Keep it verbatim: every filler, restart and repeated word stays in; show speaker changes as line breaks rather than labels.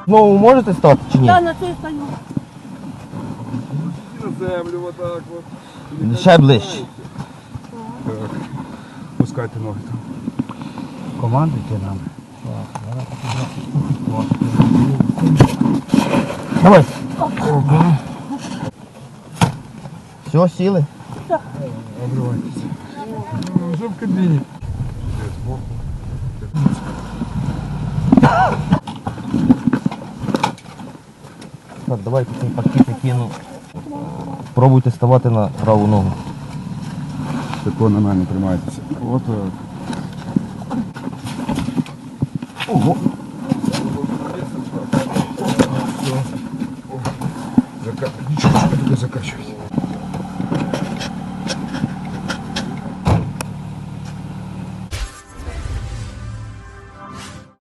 Знову можете стати чи ні?
Я на цій стою.
На землю вот так вот.
Ще ближче.
Так. Пускайте ноги там.
Командуйте нам.
Давай. Все, сіли?
Обривайтеся. Вже в кабіні.
Так, давайте цей пакет кину. Пробуйте ставати на праву ногу.
Тако на мене тримайтеся. От так.
Ого.
Зака... Нічого, що ви туди закачуєте.